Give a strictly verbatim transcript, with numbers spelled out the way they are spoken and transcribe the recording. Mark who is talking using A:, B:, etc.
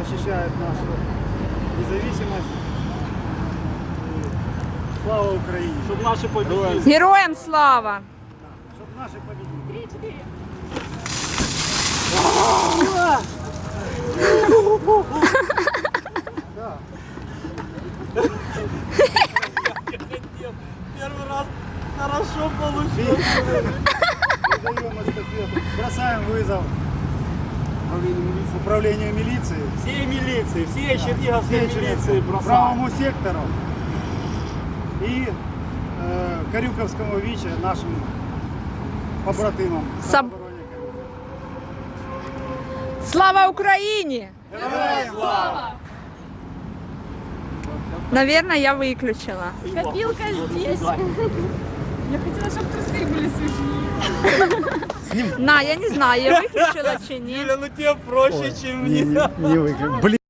A: защищают нашу независимость. И слава Украине!
B: Щоб наші победили.
C: Героям слава!
A: Чтоб наши победили!
D: Три-четыре.
A: Да.
B: Первый раз хорошо получилось.
A: Передаем эстафету. Бросаем вызов управлению милиции.
B: Всей милиции, всей черниговской
A: Всей
B: милиции бросаем.
A: правому сектору и э, Карюковскому ВИЧе, нашим побратимам.
C: Саб-
A: самообороне Карюкова.
C: Слава Україні!
A: Героям слава!
C: Наверное, я выключила.
D: Копилка здесь. Я хотела, чтобы трусы были сухие.
C: На, я не знаю, я выключила чи ні.
B: Юля, ну тебе проще, чем
A: Не,
B: мне.
A: не, не выиграем. Блин.